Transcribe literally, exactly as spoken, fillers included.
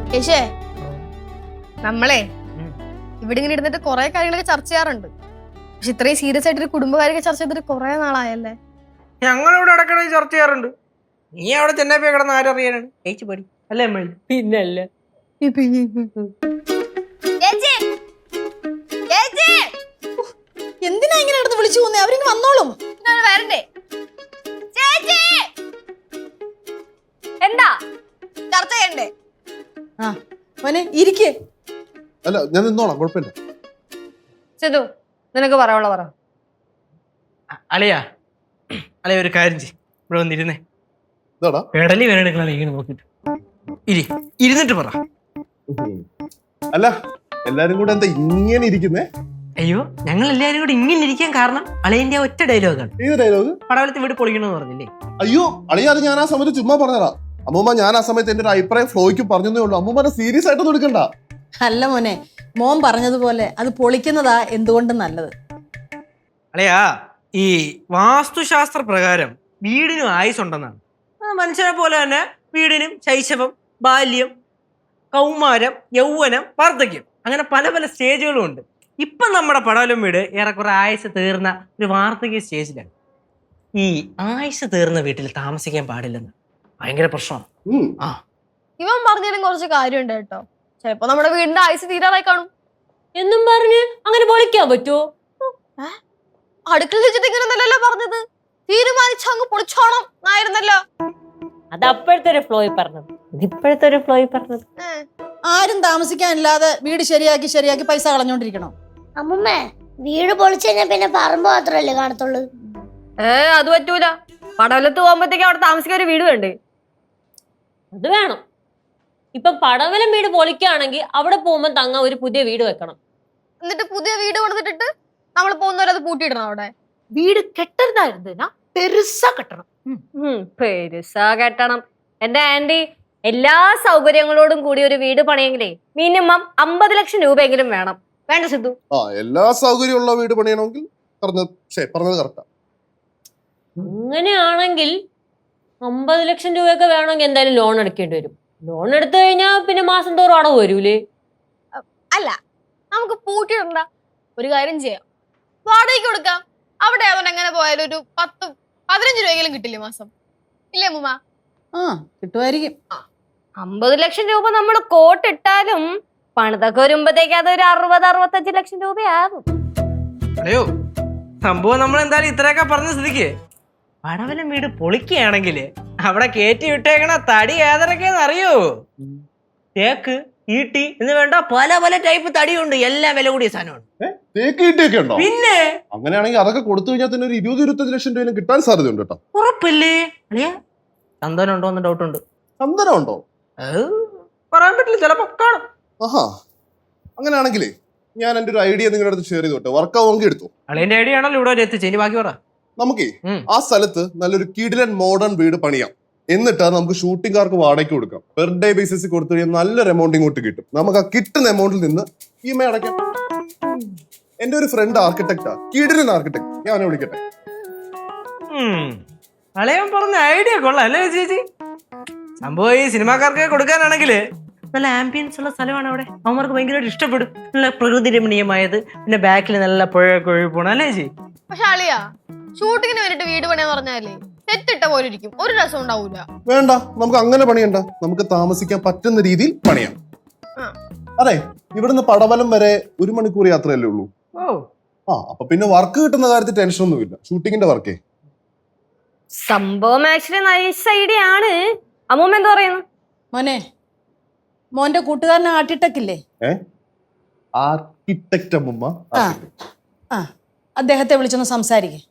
യേശേ നമ്മളെ ഇവിടെ ഇങ്ങനെ ഇരുന്നിട്ട് കുറെ കാര്യങ്ങളൊക്കെ ചർച്ച ചെയ്യാറുണ്ട്. പക്ഷെ ഇത്രയും സീരിയസ് ആയിട്ട് ഒരു കുടുംബകാര്യൊക്കെ ചർച്ച ചെയ്തിട്ട് കുറെ നാളായല്ലേ. ഞങ്ങളിവിടെ ഇടയ്ക്കിടെ ചർച്ച ചെയ്യാറുണ്ട്. നീ അവിടെ ചെന്നൈ കിടന്ന് ആരറിയാനാണ് ചേച്ചി പടി അല്ലേ അമ്മ? പിന്നല്ലേ എന്തിനാ ഇങ്ങനെ അടുത്ത് വിളിച്ചു പോന്നേ? അവരിങ്ങ് വന്നോളും. വരണ്ടേ എന്താ ചർച്ച ചെയ്യണ്ടേ? ആ മോനെ ഇരിക്കേ. അല്ല ഞാൻ നിന്നോളാം, കുഴപ്പമില്ല. സിധു നിനക്ക് പറയാനുള്ള പറ. അളിയാ അളിയ ഒരു കാര്യം ചെയ്യ്, ഇവിടെ വന്നിരുന്നേ. ഇതാടാ പെടലി വേനെടുക്കണ ഇങ്ങനെ നോക്കിട്ട് ഇരി ഇരുന്നിട്ട് പറ. അല്ല എല്ലാരും കൂടെ എന്താ ഇങ്ങനെ ഇരിക്കുന്നേ? അയ്യോ ഞങ്ങൾ എല്ലാരും കൂടെ ഇങ്ങനെ ഇരിക്കാൻ കാരണം അളിയന്റെ ഒറ്റ ഡയലോഗാണ്. ഏത് ഡയലോഗ്? പടവലത്ത് വീട് പൊളിക്കണമെന്ന് പറഞ്ഞില്ലേ? അയ്യോ അളിയാത് ഞാൻ ആ സമയത്ത് ചുമ്മാ പറഞ്ഞതാ. അമ്മൂമ്മ ഞാൻ ആ സമയത്ത് എന്റെ ഒരു അഭിപ്രായം ഫ്ലോയ്ക്ക് പറഞ്ഞതേ ഉള്ളൂ. അമ്മൂമ്മനെ സീരിയസ് ആയിട്ടൊന്നും എടുക്കണ്ട. അല്ല മോനെ, മോൻ പറഞ്ഞതുപോലെ അത് പൊളിക്കുന്നതാ എന്തുകൊണ്ടും നല്ലത്. അളിയാ ഈ വാസ്തുശാസ്ത്ര പ്രകാരം വീടിനും ആയുസ് ഉണ്ടെന്നാണ്. മനുഷ്യനെ പോലെ തന്നെ വീടിനും ശൈശവം, ബാല്യം, കൗമാരം, യൗവനം, വാർദ്ധക്യം, അങ്ങനെ പല പല സ്റ്റേജുകളും ഉണ്ട്. ഇപ്പം നമ്മുടെ പടവലം വീട് ഏറെക്കുറെ ആയുസ് തീർന്ന ഒരു വാർദ്ധക്യ സ്റ്റേജിലാണ്. ഈ ആയുസ് തീർന്ന വീട്ടിൽ താമസിക്കാൻ പാടില്ലെന്ന് ഭയങ്കര പ്രശ്നമാണ്. ആ ഇവൻ പറഞ്ഞാലും കുറച്ച് കാര്യമുണ്ട് കേട്ടോ. ചിലപ്പോ നമ്മുടെ വീടിന്റെ ആയുസ് തീരാറായി കാണും എന്നും പറഞ്ഞ് അങ്ങനെ പൊളിക്കാൻ പറ്റുമോ? അടുക്കള വെച്ചിട്ട് ഇങ്ങനെയൊന്നല്ലല്ലോ പറഞ്ഞത്. തീരുമാനിച്ച അങ്ങ് പൊളിച്ചോണം ആയിരുന്നല്ലോ. അത് അപ്പോഴത്തെ ഒരു ഫ്ലോയിൽ പറഞ്ഞത്, ഇതിപ്പോഴത്തെ ഒരു ഫ്ലോയിൽ പറഞ്ഞത്. ആരും താമസിക്കാനില്ലാതെ വീട് ശരിയാക്കി ശരിയാക്കി പൈസ കളഞ്ഞോണ്ടിരിക്കണോ? അമ്മമ്മേ വീട് പൊളിച്ചു കഴിഞ്ഞാൽ പിന്നെ പറമ്പ് മാത്രല്ലേ കാണത്തുള്ളൂ. ഏ അത് പറ്റൂല. പടവലത്ത് പോകുമ്പോഴത്തേക്ക് അവിടെ താമസിക്കാൻ ഒരു വീട് വേണ്ടേ? അത് വേണം. ഇപ്പൊ പടവലം വീട് പൊളിക്കുകയാണെങ്കിൽ അവിടെ പോകുമ്പോ തങ്ങ ഒരു പുതിയ വീട് വെക്കണം. എന്നിട്ട് പുതിയ വീട് കൊടുത്തിട്ട് നമ്മൾ പോകുന്നവരത് പൂട്ടിയിടണം. അവിടെ വീട് കെട്ടരുതായിരുന്ന പെരുസാ കെട്ടണം. പെരുസാ കെട്ടണം. എന്റെ ആന്റി, എല്ലാ സൗകര്യങ്ങളോടും കൂടി ഒരു വീട് പണിയെങ്കിലേ മിനിമം അമ്പത് ലക്ഷം രൂപയെങ്കിലും വേണം. വേണ്ട സിദ്ധു? ആ എല്ലാ സൗകര്യമുള്ള വീട് പണിയണമെങ്കിൽ പറഞ്ഞത് പറഞ്ഞത് കറക്റ്റാ. അങ്ങനെയാണെങ്കിൽ അമ്പത് ലക്ഷം രൂപയൊക്കെ വേണമെങ്കിൽ എന്തായാലും ലോൺ എടുക്കേണ്ടി വരും. ലോൺ എടുത്തു കഴിഞ്ഞാൽ പിന്നെ മാസം തോറും അടവ് വരൂലേ? അല്ല, നമുക്ക് പൂട്ടിയിടണ്ട. ഒരു കാര്യം ചെയ്യാം, വാടകയ്ക്ക് കൊടുക്കാം. അവിടെ അതുകൊണ്ട് എങ്ങനെ പോയാലും ഒരു പത്ത് പതിനഞ്ച് രൂപയെങ്കിലും കിട്ടില്ലേ മാസം? ഇല്ലേ അമ്മൂമ്മ? ആ കിട്ടുമായിരിക്കും. അമ്പത് ലക്ഷം രൂപ നമ്മൾ കോട്ടിട്ടാലും പണിതൊക്കെ വരുമ്പോഴത്തേക്ക് അതൊരു അറുപത് അറുപത്തഞ്ച് ലക്ഷം രൂപയാകും. അയ്യോ സംഭവം നമ്മൾ എന്തായാലും ഇത്രയൊക്കെ പറഞ്ഞ സ്ഥിതിക്ക് പടവലം വീട് പൊളിക്കുകയാണെങ്കിൽ അവിടെ കയറ്റി വിട്ടേക്കണ തടി ഏതൊക്കെയെന്ന് അറിയോ? തേക്ക്, ഈട്ടി എന്ന് വേണ്ട പല പല ടൈപ്പ് തടിയുണ്ട്. എല്ലാം വില കൂടിയ സാധനമാണ്. പിന്നെ അങ്ങനെയാണെങ്കിൽ അതൊക്കെ കൊടുത്തു കഴിഞ്ഞാൽ തന്നെ ഒരു ഇരുപത് ഇരുപത്തഞ്ച് ലക്ഷം രൂപ കിട്ടാൻ സാധ്യതയുണ്ട് കേട്ടോ. ഉറപ്പില്ലേ? ചന്ദനം ഉണ്ടോ എന്ന് ഡൗട്ട് ഉണ്ട്. ചന്ദനം ഉണ്ടോ? പറയാൻ പറ്റില്ല, ചിലപ്പോ കാണും. ആഹാ അങ്ങനെയാണെങ്കിലേ ഞാൻ എന്റെ ഒരു ഐഡിയ നിങ്ങളുടെ അടുത്ത് ഷെയർ ചെയ്തോട്ടെ. വർക്കാവുമെങ്കിൽ എടുത്തു. അളിയന്റെ ഐഡിയ ആണല്ലോ ഇവിടെ എത്തിച്ചു. ഇനി ബാക്കി പറ. നമുക്കേ ആ സ്ഥലത്ത് നല്ലൊരു കിടിലൻ മോഡേൺ വീട് പണിയാം. എന്നിട്ട് നമുക്ക് ഷൂട്ടിംഗുകാർക്ക് വാടകയ്ക്ക് കൊടുക്കാം. പെർ ഡേ ബേസിസ് കൊടുത്തു കഴിഞ്ഞാൽ നല്ലൊരു എമൗണ്ട് ഇങ്ങോട്ട് കിട്ടും. നമുക്ക് ആ കിട്ടുന്ന എമൗണ്ടിൽ നിന്ന് ഇ എം ഐ അടയ്ക്കാം. എന്റെ ഒരു ഫ്രണ്ട് ആർക്കിടെക്റ്റാ, കിടിലൻ ആർക്കിടെക്ട്. ഞാൻ അവനെ വിളിക്കട്ടെ. അളിയൻ പറഞ്ഞ ഐഡിയ കൊള്ളാം അല്ലേ ചേച്ചി? സംഭവം ഈ സിനിമാക്കാർക്ക് കൊടുക്കാനാണെങ്കിൽ നല്ല ആംബിയൻസ് ഉള്ള സ്ഥലമാണ് അവിടെ. അവന്മാർക്ക് ഭയങ്കരമായിട്ട് ഇഷ്ടപ്പെടും. നല്ല പ്രകൃതി രമണീയമായത്, പിന്നെ ബാക്കിൽ നല്ല പുഴ കൊഴി പോണം അല്ലേ ചേച്ചി? പക്ഷെ അളിയാ, ഷൂട്ടിങ്ങിന് വേണ്ടിട്ട് വീട് പണിയാന്ന് പറഞ്ഞാലേ തെറ്റിട്ട പോലെ ഇരിക്കും, ഒരു രസം ഉണ്ടാവൂല. വേണ്ട, നമുക്ക് അങ്ങനെ പണിയണ്ട. നമുക്ക് താമസിക്കാൻ പറ്റുന്ന രീതിയിൽ പണിയാം. അതെ, ഇവിടുന്ന് പടവലം വരെ ഒരു മണിക്കൂർ യാത്രയല്ലേ ഉള്ളൂ. ആ അപ്പൊ പിന്നെ വർക്ക് കിട്ടുന്ന കാര്യത്തിൽ ടെൻഷൻ ഒന്നുമില്ല. ഷൂട്ടിങ്ങിന്റെ വർക്കേ സംഭവം ആക്ച്വലി നൈസ് ഐഡിയ ആണ്. അമ്മൂമ്മ എന്താ പറയുന്നു? മോനെ, മോന്റെ കൂട്ടുകാരൻ ആർക്കിടെക്ട് ഇല്ലേ? ആർക്കിടെക്ട് അമ്മൂമ്മ. ആ ആ അദ്ദേഹത്തെ വിളിച്ചൊന്ന് സംസാരിക്കേ.